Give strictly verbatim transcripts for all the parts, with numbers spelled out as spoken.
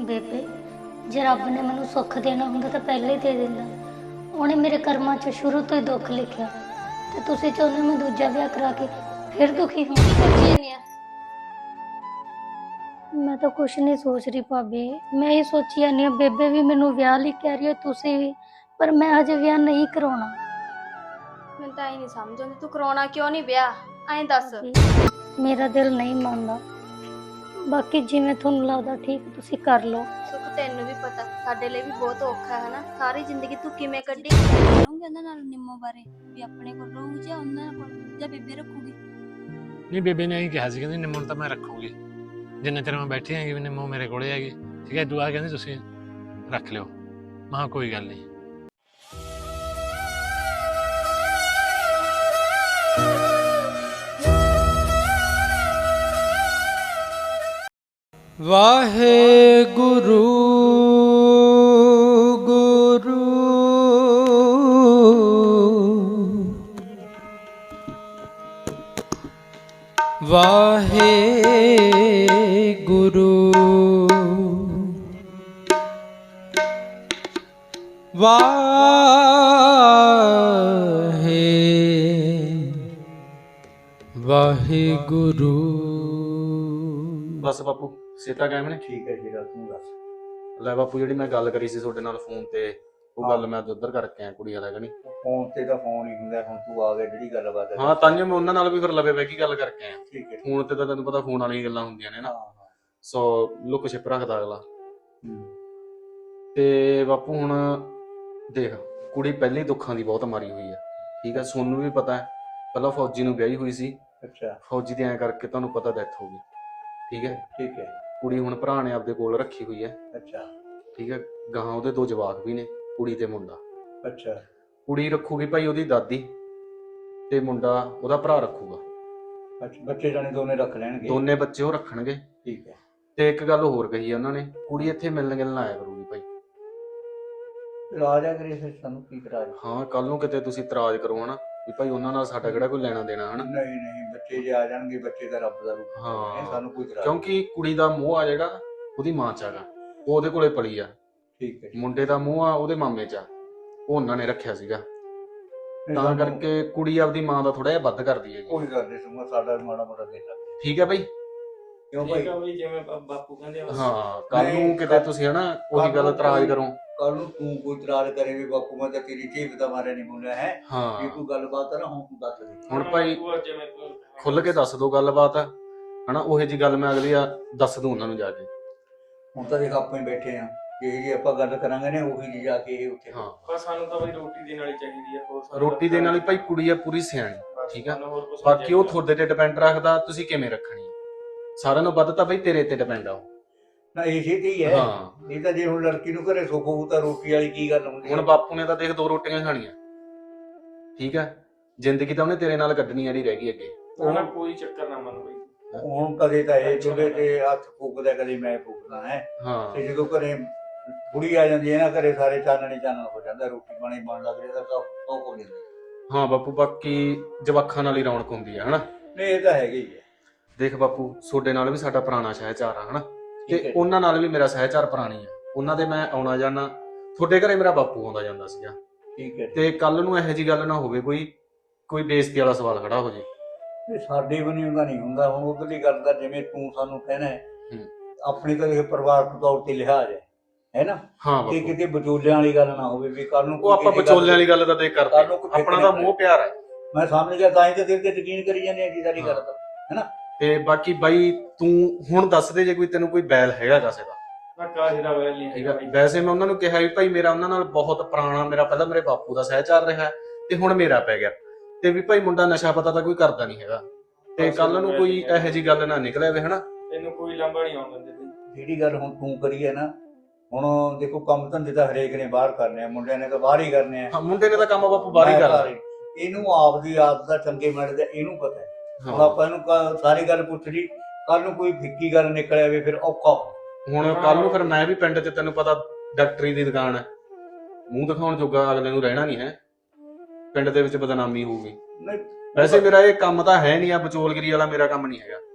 ਬੇਬੇ, ਜੇ ਰੱਬ ਨੇ ਮੈਨੂੰ ਸੁੱਖ ਦੇਣਾ ਹੁੰਦਾ ਤਾਂ ਪਹਿਲਾਂ ਹੀ ਦੇ ਦਿੰਦਾ। ਉਹਨੇ ਮੇਰੇ ਕਰਮਾਂ 'ਚ ਸ਼ੁਰੂ ਤੋਂ ਹੀ ਦੁੱਖ ਲਿਖਿਆ ਤੇ ਤੁਸੀਂ ਚਾਹੁੰਦੇ ਮੈਂ ਦੂਜਾ ਵਿਆਹ ਕਰਾ ਕੇ ਫਿਰ ਦੁਖੀ ਹਾਂ। ਮੈਂ ਤਾਂ ਕੁਛ ਨਹੀਂ ਸੋਚ ਰਹੀ ਭਾਬੀ, ਮੈਂ ਇਹ ਸੋਚੀ ਜਾਂਦੀ ਹਾਂ ਬੇਬੇ ਵੀ ਮੈਨੂੰ ਵਿਆਹ ਲਈ ਕਹਿ ਰਹੀ ਹੈ, ਤੁਸੀਂ ਵੀ, ਪਰ ਮੈਂ ਹਜੇ ਵਿਆਹ ਨਹੀਂ ਕਰਾਉਣਾ। ਮੈਨੂੰ ਤਾਂ ਇਹ ਨਹੀਂ ਸਮਝ ਆਉਂਦੀ ਤੂੰ ਕਰਾਉਣਾ ਕਿਉਂ ਨਹੀਂ ਵਿਆਹ, ਐਂ ਦੱਸ। ਮੇਰਾ ਦਿਲ ਨਹੀਂ ਮੰਨਦਾ, ਬਾਕੀ ਜਿਵੇਂ ਤੁਹਾਨੂੰ ਲੱਗਦਾ ਠੀਕ ਤੁਸੀਂ ਕਰ ਲਓ। ਸੁੱਖ ਤੈਨੂੰ ਵੀ ਪਤਾ ਸਾਡੇ ਲਈ ਵੀ ਬਹੁਤ ਔਖਾ ਹੈ ਨਾ, ਸਾਰੀ ਜ਼ਿੰਦਗੀ ਤੂੰ ਕਿਵੇਂ ਕੱਢੀ। ਕਰੂੰਗੀ ਉਹਨਾਂ ਨਾਲ ਨਿੰਮੋ ਬਾਰੇ ਵੀ ਆਪਣੇ ਕੋਲ ਰਹੂਗੀ ਜਾਂ ਉਹਨਾਂ ਕੋਲ ਜਾਂ ਬੇਬੇ ਰੱਖੂਗੀ। ਨਹੀਂ, ਬੇਬੇ ਨੇ ਇਹੀ ਕਿਹਾ ਸੀ, ਕਹਿੰਦੀ ਨਿੰਮੋ ਨੂੰ ਤਾਂ ਮੈਂ ਰੱਖੂਗੀ ਜਿੰਨਾ ਚਿਰ ਮੈਂ ਬੈਠੀ ਹੈਗੀ ਵੀ ਨਿੰਮੋ ਮੇਰੇ ਕੋਲੇ ਹੈਗੀ। ਠੀਕ ਹੈ, ਦੁਆ ਕਹਿੰਦੀ ਤੁਸੀਂ ਰੱਖ ਲਿਓ। ਮੈਂ ਕਿਹਾ ਕੋਈ ਗੱਲ ਨਹੀਂ। ਵਾਹਿਗੁਰੂ ਗੁਰੂ ਵਾਹਿਗੁਰੂ ਵਾਹਿ ਵਾਹਿਗੁਰੂ। ਬਸ ਬਾਪੂ ਸੀਤਾ ਕਾਇਮ ਨੇ? ਠੀਕ ਹੈ ਜੀ, ਤੂੰ ਦੱਸ। ਲੈ ਬਾਪੂ, ਜਿਹੜੀ ਮੈਂ ਗੱਲ ਕਰੀ ਸੀ ਤੁਹਾਡੇ ਨਾਲ ਫੋਨ ਤੇ, ਉਹ ਗੱਲ ਮੈਂ ਉਧਰ ਕਰਕੇ ਆਇਆ ਕੁੜੀ ਵਾਲਾ ਕਣੀ। ਫੋਨ ਤੇ ਤਾਂ ਫੋਨ ਹੀ ਹੁੰਦਾ, ਹੁਣ ਤੂੰ ਆ ਗਿਆ ਜਿਹੜੀ ਗੱਲਬਾਤ ਹੈ। ਹਾਂ, ਤਾਂਹੀਓ ਮੈਂ ਉਹਨਾਂ ਨਾਲ ਵੀ ਫਿਰ ਲਵੇ ਬਹਿ ਕੇ ਗੱਲ ਕਰਕੇ ਆਇਆ। ਠੀਕ ਹੈ। ਫੋਨ ਤੇ ਤਾਂ ਤੈਨੂੰ ਪਤਾ ਫੋਨ ਵਾਲੀਆਂ ਗੱਲਾਂ ਹੁੰਦੀਆਂ ਨੇ ਨਾ, ਹਾਂ ਸੋ ਲੁੱਕ ਛਿਪ ਰੱਖਦਾ ਅਗਲਾ। ਹੂੰ। ਤੇ ਬਾਪੂ ਹੁਣ ਦੇਖ, ਕੁੜੀ ਪਹਿਲੀ ਦੁੱਖਾਂ ਦੀ ਬਹੁਤ ਮਾਰੀ ਹੋਈ ਆ। ਠੀਕ ਹੈ, ਸੋਨੂੰ ਵੀ ਪਤਾ ਹੈ, ਪਹਿਲਾਂ ਫੌਜੀ ਨੂੰ ਵਿਆਹੀ ਹੋਈ ਸੀ। ਅੱਛਾ। ਫੌਜੀ ਦੀ ਐਂ ਕਰਕੇ ਤੁਹਾਨੂੰ ਪਤਾ ਡੈਥ ਹੋ ਗਈ। ਠੀਕ ਹੈ। ਠੀਕ ਹੈ। ਕੁੜੀ ਹੁਣ ਭਰਾ ਨੇ ਆਪਦੇ ਕੋਲ ਰੱਖੀ ਹੋਈ ਹੈ। ਅੱਛਾ। ਠੀਕ ਹੈ, ਗਾਹਾਂ ਉਹਦੇ ਦੋ ਜਵਾਕ ਵੀ ਨੇ, ਕੁੜੀ ਤੇ ਮੁੰਡਾ। ਅੱਛਾ। ਕੁੜੀ ਰੱਖੂਗੀ ਭਾਈ ਉਹਦੀ ਦਾਦੀ, ਤੇ ਮੁੰਡਾ ਉਹਦਾ ਭਰਾ ਰੱਖੂਗਾ। ਅੱਛਾ, ਬੱਚੇ ਜਾਣੇ ਦੋਨੇ ਰੱਖ ਲੈਣਗੇ? ਦੋਨੇ ਬੱਚੇ ਉਹ ਰੱਖਣਗੇ। ਠੀਕ ਹੈ। ਤੇ ਇੱਕ ਗੱਲ ਹੋਰ ਕਹੀ ਆ ਉਹਨਾਂ ਨੇ, ਕੁੜੀ ਇੱਥੇ ਮਿਲਣ ਗਿਲਣ ਆਇਆ ਕਰੂਗੀ ਭਾਈ। ਰਾਜ ਆ ਕਰੇ ਫਿਰ ਸਾਨੂੰ ਕੀ ਇਤਰਾਜ਼? ਹਾਂ, ਕੱਲ ਨੂੰ ਕਿਤੇ ਤੁਸੀਂ ਇਤਰਾਜ਼ ਕਰੋ ਹਨਾ ਵੀ ਭਾਈ ਉਹਨਾਂ ਨਾਲ ਸਾਡਾ ਕਿਹੜਾ ਕੋਈ ਲੈਣਾ ਦੇਣਾ ਹਨਾ। ਨਹੀਂ ਨਹੀਂ, ਬੱਚੇ ਜੇ ਆ ਜਾਣਗੇ, ਬੱਚੇ ਦਾ ਰੱਬ ਦਾ ਰੂਪ ਹੈ, ਹਾਂ। ਸਾਨੂੰ ਕੋਈ ਇਤਰਾਜ਼ ਕਿਉਂਕਿ ਕੁੜੀ ਦਾ ਮੋਹ ਆ ਜਿਹੜਾ ਉਹਦੀ ਮਾਂ ਚ ਹੈਗਾ, ਉਹ ਉਹਦੇ ਕੋਲੇ ਪਲੀ ਆ। ਠੀਕ ਹੈ। ਮੁੰਡੇ ਦਾ ਮੋਹ ਆ ਉਹਦੇ ਮਾਮੇ ਚ ਆ, ਉਹ ਉਹਨਾਂ ਨੇ ਰੱਖਿਆ ਸੀਗਾ। ਨਹੀਂ, ਤਾਂ ਸਾਨੂੰ ਕਰਕੇ ਕੁੜੀ ਆਪਦੀ ਮਾਂ ਦਾ ਥੋੜਾ ਜਿਹਾ ਵੱਧ ਕਰਦੀ ਹੈ। ਕੋਈ ਗੱਲ ਨਹੀਂ, ਸੁਣੋ ਸਾਡਾ ਵੀ ਮਾੜਾ ਮੋਟਾ ਦੇ ਲੱਗ। ਠੀਕ ਹੈ ਭਾਈ। ਕਿਉਂ ਭਾਈ? ਜਿਵੇਂ ਬਾਪੂ ਕਹਿੰਦੇ ਆ। ਹਾਂ, ਕੱਲ ਨੂੰ ਨਹੀਂ, ਕਿਤੇ ਤੁਸੀਂ ਹਨਾ ਉਹੀ ਗੱਲ ਇਤਰਾਜ਼ ਕਰੋ। ਕੱਲ ਨੂੰ ਤੂੰ ਕੋਈ ਇਤਰਾਜ਼ ਕਰੇ ਵੀ ਬਾਪੂ ਮੈਂ ਤਾਂ ਤੇਰੀ ਜੀਭ ਦਾ ਮਾਰਿਆ ਨਹੀਂ ਬੋਲਿਆ ਹੈ। ਹਾਂ, ਇਹ ਕੋਈ ਗੱਲਬਾਤ ਹੈ ਨਾ, ਹੁਣ ਤੂੰ ਦੱਸ ਦੇ। ਹੁਣ ਭਾਈ ਖੁੱਲ ਕੇ ਦੱਸ ਦੋ ਗੱਲਬਾਤ ਹਨਾ, ਉਹੇ ਜੀ ਗੱਲ ਮੈਂ ਅਗਲੀ ਆ ਦੱਸ ਦੂੰ ਉਹਨਾਂ ਨੂੰ ਜਾ ਕੇ। ਹੁਣ ਤਾਂ ਦੇਖ ਆਪਾਂ ਹੀ ਬੈਠੇ ਆ, ਜਿਹੀ ਜੀ ਆਪਾਂ ਗੱਲ ਕਰਾਂਗੇ ਨੇ ਉਹੀ ਜੀ ਜਾ ਕੇ ਇਹ ਉੱਥੇ। ਹਾਂ, ਬਸ ਸਾਨੂੰ ਤਾਂ ਬਈ ਰੋਟੀ ਦੇਣ ਵਾਲੀ ਚਾਹੀਦੀ ਹੈ, ਹੋਰ ਰੋਟੀ ਦੇਣ ਵਾਲੀ ਭਾਈ ਕੁੜੀ ਆ ਪੂਰੀ ਸਿਆਣੀ। ਠੀਕ ਆ, ਬਾਕੀ ਉਹ ਤੁਹਾਡੇ ਤੇ ਡਿਪੈਂਡ ਰੱਖਦਾ ਤੁਸੀਂ ਕਿਵੇਂ ਰੱਖਣੀ ਆ। ਸਾਰਿਆਂ ਨੂੰ ਵੱਧ ਤਾਂ ਬਈ ਤੇਰੇ ਤੇ ਡਿਪੈਂਡ ਆ ਉਹ। ਨਾ ਇਸੇ ਤੇ ਹੀ ਹੈ। ਹਾਂ, ਇਹ ਤਾਂ ਜੇ ਹੁਣ ਲੜਕੀ ਨੂੰ ਘਰੇ ਸੁੱਖ ਹੋਊ ਤਾਂ ਰੋਟੀ ਵਾਲੀ ਕੀ ਗੱਲ ਹੁੰਦੀ ਹੈ? ਹੁਣ ਬਾਪੂ ਨੇ ਤਾਂ ਦੇਖ ਦੋ ਰੋਟੀਆਂ ਖਾਣੀਆਂ। ਠੀਕ ਆ, ਜ਼ਿੰਦਗੀ ਤਾਂ ਉਹਨੇ ਤੇਰੇ ਨਾਲ ਕੱਢਣੀ ਜਿਹੜੀ ਰਹਿ ਗਈ ਅੱਗੇ। ਉਹਨਾਂ ਕੋਈ ਚੱਕਰ ਨਾ ਮੰਨ ਬਈ। ਹੁਣ ਕਦੇ ਤਾਂ ਇਹ ਚੁੱਲ੍ਹੇ ਤੇ ਹੱਥ ਫੂਕਦਾ, ਕਦੇ ਮੈਂ ਫੂਕਦਾ ਹੈ। ਹਾਂ, ਤੇ ਜਦੋਂ ਘਰੇ ਕੁੜੀ ਆ ਜਾਂਦੀ ਹੈ ਨਾ, ਘਰੇ ਸਾਰੇ ਚਾਨਣੇ ਚਾਨਣ ਹੋ ਜਾਂਦਾ, ਰੋਟੀ ਪਾਣੀ ਬਣ ਲੱਗ ਜਾਂਦਾ ਤਾਂ ਉਹ ਹੋ ਜਾਂਦਾ। ਹਾਂ ਬਾਪੂ, ਬਾਕੀ ਜਵਾਖਾਂ ਨਾਲ ਹੀ ਰੌਣਕ ਹੁੰਦੀ ਆ ਹਨਾ। ਨਹੀਂ ਇਹ ਤਾਂ ਹੈਗਾ ਹੀ ਹੈ। ਦੇਖ ਬਾਪੂ, ਤੁਹਾਡੇ ਨਾਲ ਵੀ ਸਾਡਾ ਪੁਰਾਣਾ ਸਹਿਚਾਰ ਆ ਹਨਾ, ਠੀਕ ਹੈ ਤੇ ਜੀ। ਉਹਨਾਂ ਨਾਲ ਵੀ ਮੇਰਾ ਸਹਿਚਾਰ ਪੁਰਾਣੀ ਆ। ਉਹਨਾਂ ਦੇ ਮੈਂ ਆਉਣਾ ਜਾਣਾ, ਤੁਹਾਡੇ ਘਰੇ ਮੇਰਾ ਬਾਪੂ ਆਉਂਦਾ ਜਾਂਦਾ ਸੀਗਾ। ਠੀਕ ਹੈ। ਤੇ ਕੱਲ ਨੂੰ ਇਹੋ ਜੀ ਗੱਲ ਨਾ ਹੋਵੇ ਕੋਈ ਕੋਈ ਬੇਇੱਜ਼ਤੀ ਵਾਲਾ ਸਵਾਲ ਖੜਾ ਹੋ ਜੇ। ਇਹ ਸਾਡੇ ਬਣੀ ਹੁੰਦਾ ਨਹੀਂ ਹੁੰਦਾ। ਹੁਣ ਉਧਰਲੀ ਗੱਲ ਦਾ ਜਿਵੇਂ ਤੂੰ ਸਾਨੂੰ ਕਹਿਣਾ ਹੈ, ਹੂੰ। ਆਪਣੀ ਤਾਂ ਇਹ ਪਰਿਵਾਰਕ ਤੌਰ ਤੇ ਲਿਹਾਜ਼ ਹੈ ਹੈ ਨਾ, ਹਾਂ ਤੇ ਬਾਪੂ, ਕਿਤੇ ਵਿਚੋਲਿਆਂ ਵਾਲੀ ਗੱਲ ਨਾ ਹੋਵੇ ਵੀ ਕੱਲ ਨੂੰ ਉਹ ਆਪਾਂ ਵਿਚੋਲਿਆਂ ਵਾਲੀ ਗੱਲ ਤਾਂ ਦੇਖ ਕਰਦੇ, ਕੱਲ੍ਹ ਨੂੰ ਕੋਈ ਆਪਣਾ ਤਾਂ ਮੋਹ ਪਿਆਰ ਹੈ। ਮੈਂ ਸਮਝ ਗਿਆ, ਤਾਂ ਹੀ ਤਾਂ ਦਿਲ ਤੇ ਯਕੀਨ ਕਰੀ ਜਾਂਦੇ ਆ ਜੀ ਸਾਰੀ ਗੱਲ ਦਾ, ਹੈਨਾ। ਤੇ ਬਾਕੀ ਬਾਈ ਤੂੰ ਹੁਣ ਦੱਸ ਦੇ ਜੇ ਕੋਈ ਤੈਨੂੰ ਕੋਈ ਬੈਲ ਹੈਗਾ ਕਿਸੇ ਦਾ। ਨਾ ਕਾਹੇ ਦਾ ਵੈਲ ਨਹੀਂ ਠੀਕ ਹੈਗਾ ਆ, ਵੈਸੇ ਮੈਂ ਉਹਨਾਂ ਨੂੰ ਕਿਹਾ ਵੀ ਭਾਈ ਮੇਰਾ ਉਹਨਾਂ ਨਾਲ ਬਹੁਤ ਪੁਰਾਣਾ, ਮੇਰਾ ਪਹਿਲਾਂ ਮੇਰੇ ਬਾਪੂ ਦਾ ਸਹਿਚਾਰ ਰਿਹਾ ਤੇ ਹੁਣ ਮੇਰਾ ਪੈ ਗਿਆ, ਤੇ ਵੀ ਭਾਈ ਮੁੰਡਾ ਨਸ਼ਾ ਪਤਾ ਤਾਂ ਕੋਈ ਕਰਦਾ ਨਹੀਂ ਹੈਗਾ, ਤੇ ਕੱਲ ਨੂੰ ਕੋਈ ਇਹੋ ਜੀ ਗੱਲ ਨਾ ਨਿਕਲੇ ਵੇ ਹਨਾ। ਤੈਨੂੰ ਕੋਈ ਲਾਂਭਾ ਨਹੀਂ ਆਉਣ ਦਿੰਦੇ। ਜਿਹੜੀ ਗੱਲ ਹੁਣ ਤੂੰ ਕਰੀ ਹੈ ਨਾ, ਹੁਣ ਦੇਖੋ ਕੰਮ ਧੰਦੇ ਤਾਂ ਹਰੇਕ ਨੇ ਬਾਹਰ ਕਰਨੇ ਆ, ਮੁੰਡਿਆਂ ਨੇ ਤਾਂ ਬਾਹਰ ਹੀ ਕਰਨੇ ਆ। ਹਾਂ, ਮੁੰਡੇ ਨੇ ਤਾਂ ਕੰਮ ਬਾਪੂ ਬਾਹਰ ਹੀ ਕਰਨਾ। ਇਹਨੂੰ ਆਪਦੀ ਆਦਤ ਦਾ ਚੰਗੇ ਮਾੜੇ ਦਾ ਇਹਨੂੰ ਪਤਾ ਹੈ। ਹੁਣ ਹਾਂ, ਆਪਾਂ ਇਹਨੂੰ ਕ- ਸਾਰੀ ਗੱਲ ਪੁੱਛ ਲਈ, ਕੱਲ ਨੂੰ ਕੋਈ ਫਿੱਕੀ ਗੱਲ ਨਿਕਲ ਆਵੇ ਫਿਰ ਔਖਾ। ਹੁਣ ਕੱਲ ਨੂੰ ਫਿਰ ਮੈਂ ਵੀ ਪਿੰਡ 'ਚ ਤੈਨੂੰ ਪਤਾ ਡਾਕਟਰੀ ਦੀ ਦੁਕਾਨ ਹੈ, ਮੂੰਹ ਦਿਖਾਉਣ ਜੋਗਾ ਅਗਲੇ ਨੂੰ ਰਹਿਣਾ ਨਹੀਂ ਹੈ, ਪਿੰਡ ਦੇ ਵਿੱਚ ਬਦਨਾਮੀ ਹੋਊਗੀ। ਨਹੀਂ ਵੈਸੇ ਮੇਰਾ ਇਹ ਕੰਮ ਤਾਂ ਹੈ ਨਹੀਂ ਆ, ਵਿਚੋਲਗਿਰੀ ਵਾਲਾ ਮੇਰਾ ਕੰਮ ਨਹੀਂ ਹੈਗਾ।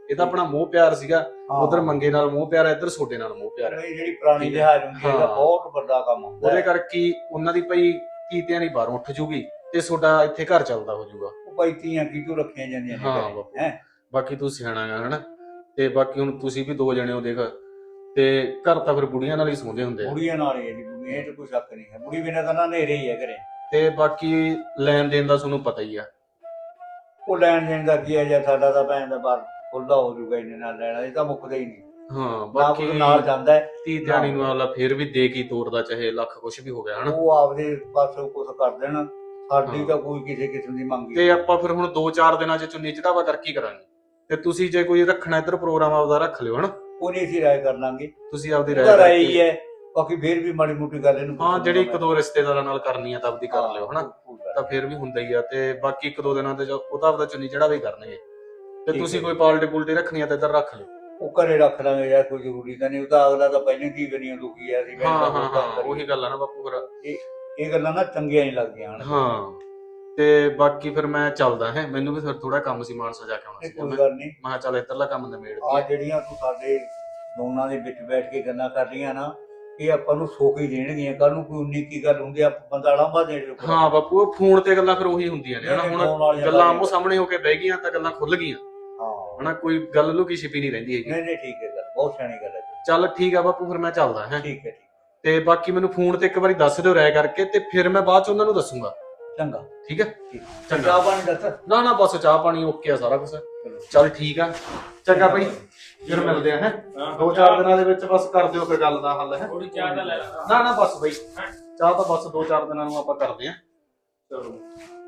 ਇਹ ਤਾਂ ਆਪਣਾ ਮੋਹ ਪਿਆਰ ਸੀਗਾ, ਹਾਂ। ਉਧਰ ਮੰਗੇ ਨਾਲ ਮੋਹ ਪਿਆਰ ਹੈ, ਇੱਧਰ ਛੋਟੇ ਨਾਲ ਮੋਹ ਪਿਆਰ ਹੈ। ਨਹੀਂ, ਜਿਹੜੀ ਪੁਰਾਣੀ ਲਿਹਾਜ਼ ਹੁੰਦੀ ਹੈ ਇਹਦਾ ਹਾਂ। ਬਹੁਤ ਵੱਡਾ ਕੰਮ ਹੁੰਦਾ ਉਹਦੇ ਹੈ। ਕਰਕੇ ਹੀ ਉਹਨਾਂ ਦੀ ਭਾਈ ਕੀਤਿਆਂ ਦੀ ਬਾਹਰੋਂ ਉੱਠ ਜੂਗੀ ਤੇ ਤੁਹਾਡਾ ਇੱਥੇ ਘਰ ਚੱਲਦਾ ਹੋ ਜਾਊਗਾ। ਉਹ ਭਾਈ ਧੀਆਂ ਕਿਤੋਂ ਰੱਖੀਆਂ ਜਾਂਦੀਆਂ ਨੇ ਹਾਂ ਘਰੇ, ਬਾਪੂ। ਹੈਂ। ਬਾਕੀ ਤੂੰ ਸਿਆਣਾ ਗਾ ਹਨਾ, ਤੇ ਬਾਕੀ ਹੁਣ ਤੁਸੀਂ ਵੀ ਦੋ ਜਣੇ ਹੋ ਦੇਖ, ਤੇ ਘਰ ਤਾਂ ਫਿਰ ਬੁੜੀਆਂ ਨਾਲ ਹੀ ਸੌਂਦੇ ਹੁੰਦੇ ਆ। ਬੁੜੀਆਂ ਨਾਲ ਹੀ ਹੈ ਜੀ, ਬੁੜੀਆਂ, ਇਹ 'ਚ ਕੋਈ ਸ਼ੱਕ ਨਹੀਂ ਹੈ। ਬੁੜੀ ਬਿਨਾਂ ਤਾਂ ਨਾ ਹਨੇਰੇ ਹੀ ਹੈ ਘਰੇ। ਤੇ ਬਾਕੀ ਲੈਣ ਦੇਣ ਦਾ ਤੁਹਾਨੂੰ ਪਤਾ ਹੀ ਆ। ਉਹ ਲੈਣ ਦੇਣ ਦਾ ਕੀ ਹੈ, ਜਾਂ ਸਾਡਾ ਤਾਂ ਭੈਣ ਦਾ ਬਾਹਰ ਖੁੱਲਦਾ ਹੋ ਜੂਗਾ ਇਹਨੇ ਨਾਲ ਲੈਣਾ, ਇਹ ਤਾਂ ਮੁੱਕਦਾ ਹੀ ਨਹੀਂ। ਹਾਂ ਨਾ ਬਾਕੀ ਕੋਈ ਨਾਲ ਜਾਂਦਾ ਹੈ, ਧੀ ਧਿਆਣੀ ਨੂੰ ਆਲਾ ਫੇਰ ਵੀ ਦੇ ਕੀ ਤੋੜਦਾ, ਚਾਹੇ ਲੱਖ ਕੁਛ ਵੀ ਹੋ ਗਿਆ ਹਨਾ। ਉਹ ਆਪਦੇ ਪਾਸੋਂ ਕੁਛ ਕਰ ਦੇਣ, ਸਾਡੀ ਹਾਂ। ਤਾਂ ਕੋਈ ਕਿਸੇ ਕਿਸਮ ਦੀ ਮੰਗ ਤੇ ਆਪਾਂ ਫਿਰ ਹੁਣ ਦੋ ਚਾਰ ਦਿਨਾਂ ਚ ਚੁੰਨੀ ਚੜਾਵਾ ਕਰਕੇ ਹੀ ਕਰਾਂਗੇ। ਤੇ ਤੁਸੀਂ ਜੇ ਕੋਈ ਰੱਖਣਾ ਇੱਧਰ ਪ੍ਰੋਗਰਾਮ ਆਪਦਾ ਰੱਖ ਲਿਓ ਹਨਾ, ਉਹ ਨਹੀਂ ਅਸੀਂ ਰਾਏ ਕਰ ਲਾਂਗੇ। ਤੁਸੀਂ ਆਪਦੀ ਉਹਦਾ ਰਾਏ ਰਾਏ ਕਰਕੇ- ਹੀ ਹੈ, ਬਾਕੀ ਫੇਰ ਵੀ ਮਾੜੀ ਮੋਟੀ ਗੱਲ ਇਹਨੂੰ ਹਾਂ ਪੁੱਛ ਜਿਹੜੀ ਲੂੰਗਾ ਇੱਕ ਦੋ ਰਿਸ਼ਤੇਦਾਰਾਂ ਨਾਲ ਕਰਨੀ ਆ ਤਾਂ ਆਪਦੀ ਕਰ ਲਿਓ ਹਨਾ, ਹਾਂ, ਕੋਈ ਗੱਲ ਤਾਂ ਫੇਰ ਵੀ ਹੁੰਦਾ ਹੀ ਆ। ਤੇ ਬਾਕੀ ਇੱਕ ਦੋ ਦਿਨਾਂ ਤੇ ਜੋ- ਉਹ ਤਾਂ ਆਪਦਾ ਚੁੰਨੀ ਚੜਾਵਾ ਹੀ ਕਰਨਗੇ। ਤੇ ਠੀਕ ਤੁਸੀਂ ਹੈ। ਕੋਈ ਪਾਲਟੀ ਪੁਲਟੀ ਰੱਖਣੀ ਆ ਤਾਂ ਇੱਧਰ ਰੱਖ ਲਿਓ। ਉਹ ਘਰੇ ਰੱਖ ਲਾਂਗੇ ਯਾਰ, ਕੋਈ ਜ਼ਰੂਰੀ ਤਾਂ ਨਹੀਂ। ਉਹ ਤਾਂ ਅਗਲਾ ਤਾਂ ਪਹਿਲਾਂ ਕੀ ਬਣੀਆਂ ਦੁਖੀ ਆ, ਅਸੀਂ ਹਾਂ ਤਾਂ ਹਾਂ ਹੋਰ ਕੰਮ ਹਾਂ ਕਰੀਏ। ਉਹੀ ਗੱਲ ਆ ਨਾ ਬਾਪੂ ਫਿਰ। ਇਹ ਗੱਲਾਂ ਨਾ ਚੰਗੀਆਂ ਨਹੀਂ ਲੱਗਦੀਆਂ ਹਨ। ਹਾਂ ਤੇ ਬਾਕੀ ਫਿਰ ਮੈਂ ਚੱਲਦਾ ਹੈ, ਮੈਨੂੰ ਵੀ ਫਿਰ ਥੋੜਾ ਕੰਮ ਸੀ, ਮਾਨਸਾ ਜਾ ਕੇ ਆਉਣਾ ਇਹ ਸੀ ਕੋਈ ਮੈਂ। ਗੱਲ ਨਹੀਂ। ਮੈਂ ਕਿਹਾ ਚੱਲ ਇੱਧਰਲਾ ਕੰਮ ਨਿਬੇੜ ਆ ਦਈਏ। ਜਿਹੜੀਆਂ ਤੂੰ ਸਾਡੇ ਦੋਨਾਂ ਦੇ ਵਿੱਚ ਬੈਠ ਕੇ ਗੱਲਾਂ ਕਰ ਰਹੀਆਂ ਨਾ, ਇਹ ਆਪਾਂ ਨੂੰ ਸੁੱਖ ਹੀ ਦੇਣਗੀਆਂ। ਕੱਲ ਨੂੰ ਕੋਈ ਉਨੀ ਕੀ ਗੱਲ ਹੁੰਦੀ ਆ, ਬੰਦਾ ਲਾਂਭਾ ਦੇ ਦੇ। ਹਾਂ ਬਾਪੂ ਉਹ ਫੋਨ ਤੇ ਗੱਲਾਂ ਫਿਰ ਉਹੀ ਹੁੰਦੀਆਂ ਨੇ ਹਨਾ। ਨਹੀਂ, ਹੁਣ ਫੋਨ ਵਾਲੀਆਂ ਗੱਲਾਂ ਗੱਲਾਂ ਆਮੋ ਸਾਹਮਣੇ ਹੋ ਕੇ ਬਹਿ ਗਈਆਂ ਤਾਂ ਗੱਲਾਂ ਖੁੱਲ ਗਈਆਂ ਹਾਂ, ਹਨਾ, ਕੋਈ ਗੱਲ ਲੁਕੀ ਛਿਪੀ ਨਹੀਂ ਰਹਿੰਦੀ ਹੈਗੀ। ਨਹੀਂ ਨਹੀਂ ਠੀਕ ਹੈ, ਗੱਲ ਬਹੁਤ ਸਿਆਣੀ ਗੱਲ ਹੈ। ਚੱਲ ਠੀਕ ਆ ਬਾਪੂ, ਫਿਰ ਮੈਂ ਚੱਲਦਾ ਹੈ। ਠੀਕ ਹੈ, ਠੀਕ ਤੇ ਬਾਕੀ ਮੈਨੂੰ ਫੋਨ ਤੇ ਇੱਕ ਵਾਰੀ ਦੱਸ ਦਿਓ ਰਾਇ ਕਰਕੇ, ਤੇ ਫਿਰ ਮੈਂ ਬਾਅਦ ਚ ਉਹਨਾਂ ਨੂੰ ਦੱਸੂਗਾ। ਚੰਗਾ। ਠੀਕ ਹੈ ਠੀਕ। ਚੰਗਾ। ਚਾਹ ਪਾਣੀ ਦੱਸ। ਨਾ ਨਾ ਬਸ ਚਾਹ ਪਾਣੀ ਓਕੇ ਆ ਸਾਰਾ ਕੁਝ। ਚੱਲ ਠੀਕ ਆ, ਚੰਗਾ ਭਾਈ, ਫਿਰ ਮਿਲਦੇ ਆ ਹੈ। ਹਾਂ, ਦੋ ਚਾਰ ਦਿਨਾਂ ਦੇ ਵਿੱਚ ਬਸ ਕਰ ਦਿਓ ਫਿਰ ਗੱਲ ਦਾ ਹੱਲ ਹੈ। ਥੋੜੀ ਚਾਹ ਤਾਂ ਲੈ ਲਾ। ਨਾ ਨਾ ਬਸ ਬਈ, ਚਾਹ ਤਾਂ ਬਸ ਦੋ ਚਾਰ ਦਿਨਾਂ ਨੂੰ ਆਪਾਂ ਕਰਦੇ ਆ। ਚਲੋ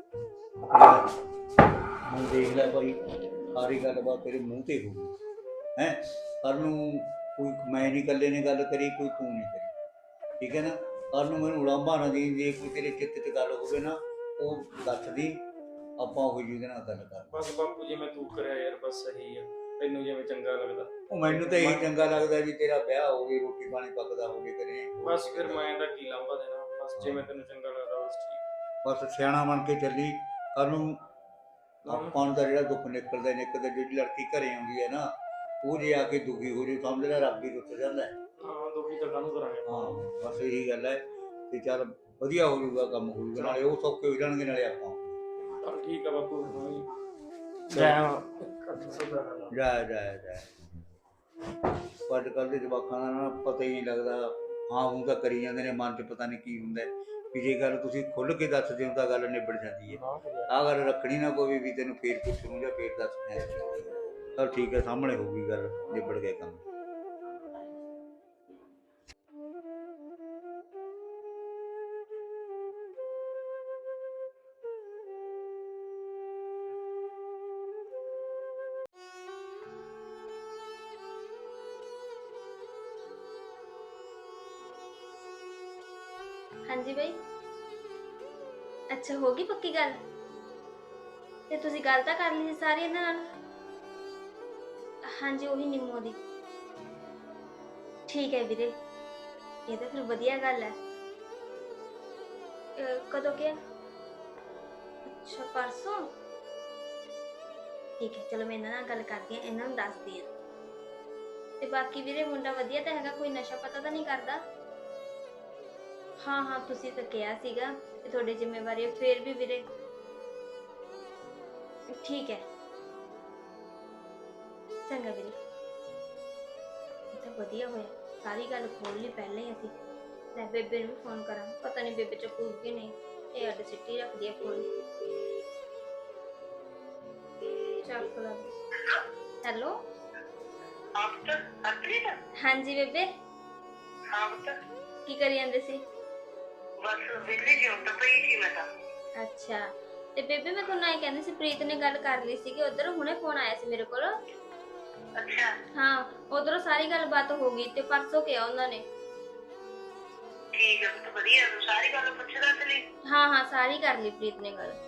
ਹੁਣ ਦੇਖ ਲੈ ਭਾਈ, ਸਾਰੀ ਗੱਲਬਾਤ ਤੇਰੇ ਮੂੰਹ ਤੇ ਹੋਊਗੀ ਹੈ। ਕੱਲ ਨੂੰ ਕੋਈ ਮੈਂ ਨਹੀਂ ਇਕੱਲੇ ਨੇ ਗੱਲ ਕਰੀ, ਕੋਈ ਤੂੰ ਨਹੀਂ ਕਰੀ, ਠੀਕ ਹੈ ਨਾ। ਕੱਲ ਨੂੰ ਮੈਨੂੰ ਉਲਾਂਭਾ ਨਾ ਦੇਈਂ, ਜੇ ਕੋਈ ਤੇਰੇ ਚਿੱਤ 'ਚ ਗੱਲ ਹੋਵੇ ਨਾ, ਉਹ ਦੱਸ ਦੀ, ਆਪਾਂ ਉਹ ਜਿਹਦੇ ਨਾਲ ਗੱਲ ਕਰ। ਬਸ ਬਾਪੂ ਜਿਵੇਂ ਤੂੰ ਕਰਿਆ ਯਾਰ, ਬਸ ਸਹੀ ਆ, ਤੈਨੂੰ ਜਿਵੇਂ ਚੰਗਾ ਲੱਗਦਾ। ਉਹ ਮੈਨੂੰ ਤਾਂ ਇਹੀ ਚੰਗਾ ਲੱਗਦਾ ਵੀ ਤੇਰਾ ਵਿਆਹ ਹੋ ਗਿਆ, ਰੋਟੀ ਪਾਣੀ ਪੱਕਦਾ ਹੋਵੇ ਘਰੇ। ਬਸ ਫਿਰ ਮੈਂ ਇਹਦਾ ਕੀ ਲਾਂਭਾ ਦੇਣਾ, ਬਸ ਜਿਵੇਂ ਤੈਨੂੰ ਚੰਗਾ ਲੱਗਦਾ ਬਸ ਠੀਕ। ਬਸ ਸਿਆਣਾ ਬਣ ਕੇ ਚੱਲੀ। ਕੱਲ ਨੂੰ ਆਪਾਂ ਨੂੰ ਤਾਂ ਜਿਹੜਾ ਦੁੱਖ ਨਿਕਲਦਾ ਨਿਕਲਦਾ, ਜਿਹੜੀ ਲੜਕੀ ਘਰੇ ਆਉਂਦੀ ਹੈ ਨਾ, ਉਹ ਜੇ ਆ ਕੇ ਦੁਖੀ ਹੋ ਜੇ, ਸਮਝ ਲੈ ਰੱਬ ਹੀ ਰੁੱਟ ਜਾਂਦਾ ਹੈ। ਹਾਂ ਦੁਖੀ ਤਾਂ ਕਾਹਨੂੰ ਕਰਾਂਗੇ। ਹਾਂ ਬਸ ਇਹੀ ਗੱਲ ਹੈ। ਤੇ ਚੱਲ ਵਧੀਆ ਹੋ ਜਾਊਗਾ, ਕੰਮ ਹੋ ਜਾਊਗਾ, ਨਾਲੇ ਉਹ ਸੌਖੇ ਹੋ ਜਾਣਗੇ, ਨਾਲੇ ਆਪਾਂ। ਚੱਲ ਠੀਕ ਆ ਬਾਪੂ, ਜੈ ਜਾ ਜਾ ਜਾ ਅੱਜ ਕੱਲ੍ਹ ਦੇ ਜਵਾਕਾਂ ਦਾ ਨਾ ਪਤਾ ਹੀ ਨਹੀਂ ਲੱਗਦਾ। ਹਾਂ ਹੁਣ ਤਾਂ ਕਰੀ ਜਾਂਦੇ ਨੇ, ਮਨ 'ਚ ਪਤਾ ਨਹੀਂ ਕੀ ਹੁੰਦਾ ਵੀ। ਜੇ ਗੱਲ ਤੁਸੀਂ ਖੁੱਲ੍ਹ ਕੇ ਦੱਸਦੇ ਹੋ ਤਾਂ ਗੱਲ ਨਿਬੜ ਜਾਂਦੀ ਹੈ। ਆਹ ਗੱਲ ਰੱਖਣੀ ਨਾ ਪਵੇ ਵੀ ਤੈਨੂੰ ਫੇਰ ਪੁੱਛੂ ਜਾਂ ਫੇਰ ਦੱਸਣਾ। ਚਲ ਠੀਕ ਹੈ, ਸਾਹਮਣੇ ਹੋਊਗੀ ਗੱਲ, ਨਿਬੜ ਗਿਆ ਕੰਮ। ਹਾਂਜੀ ਬਾਈ, ਅੱਛਾ ਹੋ ਗਈ ਪੱਕੀ ਗੱਲ? ਤੇ ਤੁਸੀਂ ਗੱਲ ਤਾਂ ਕਰ ਲਈ ਸੀ ਸਾਰੀ ਇਹਨਾਂ ਨਾਲ? ਹਾਂਜੀ ਉਹੀ ਨਿੰਮੋ ਦੀ। ਠੀਕ ਹੈ ਵੀਰੇ, ਇਹ ਤਾਂ ਫਿਰ ਵਧੀਆ ਗੱਲ ਹੈ। ਅਹ ਕਦੋਂ ਕਿਹਾ? ਅੱਛਾ ਪਰਸੋਂ। ਠੀਕ ਹੈ, ਚਲੋ ਮੈਂ ਇਹਨਾਂ ਨਾਲ ਗੱਲ ਕਰਦੀ ਹਾਂ, ਇਹਨਾਂ ਨੂੰ ਦੱਸਦੀ ਹਾਂ। ਤੇ ਬਾਕੀ ਵੀਰੇ ਮੁੰਡਾ ਵਧੀਆ ਤਾਂ ਹੈਗਾ, ਕੋਈ ਨਸ਼ਾ ਪਤਾ ਤਾਂ ਨਹੀਂ ਕਰਦਾ? ਹਾਂ ਹਾਂ ਤੁਸੀਂ ਤਾਂ ਕਿਹਾ ਸੀਗਾ ਕਿ ਤੁਹਾਡੀ ਜ਼ਿੰਮੇਵਾਰੀ ਹੈ, ਫਿਰ ਵੀ ਵੀਰੇ ਠੀਕ ਹੈ। ਚੰਗਾ ਵੀਰੇ, ਇਹ ਤਾਂ ਵਧੀਆ ਹੋਇਆ, ਸਾਰੀ ਗੱਲ ਖੋਲ ਲਈ ਪਹਿਲਾਂ ਹੀ ਅਸੀਂ। ਲੈ ਬੇਬੇ ਨੂੰ ਵੀ ਫੋਨ ਕਰਾਂ, ਪਤਾ ਨਹੀਂ ਬੇਬੇ ਚੱਕੂਗੀ ਨਹੀਂ, ਇਹ ਅੱਡ ਸਿੱਟੀ ਰੱਖਦੀ ਹੈ ਫੋਨ। ਚੱਕ ਲਾ। ਹੈਲੋ ਹਾਂਜੀ ਬੇਬੇ, ਕੀ ਕਰੀ ਜਾਂਦੇ ਸੀ? ਅੱਛਾ, ਤੇ ਬੇਬੇ ਮੈਂ ਤੁਹਾਨੂੰ ਇਹ ਕਹਿੰਦੀ ਸੀ, ਪ੍ਰੀਤ ਨੇ ਗੱਲ ਕਰ ਲਈ ਸੀਗੀ ਉਧਰ, ਹੁਣੇ ਫੋਨ ਆਇਆ ਸੀ ਮੇਰੇ ਕੋਲ। ਅੱਛਾ ਹਾਂ, ਉਧਰੋਂ ਸਾਰੀ ਗੱਲਬਾਤ ਹੋ ਗਈ ਤੇ ਪਰਸੋਂ ਕਿਹਾ ਉਹਨਾਂ ਨੇ। ਠੀਕ ਹੈ ਬਹੁਤ ਵਧੀਆ, ਸਾਰੀ ਗੱਲ ਪੁੱਛਦਾ ਤੇ ਲਈ। ਹਾਂ ਹਾਂ ਸਾਰੀ ਕਰ ਲਈ ਪ੍ਰੀਤ ਨੇ ਗੱਲ।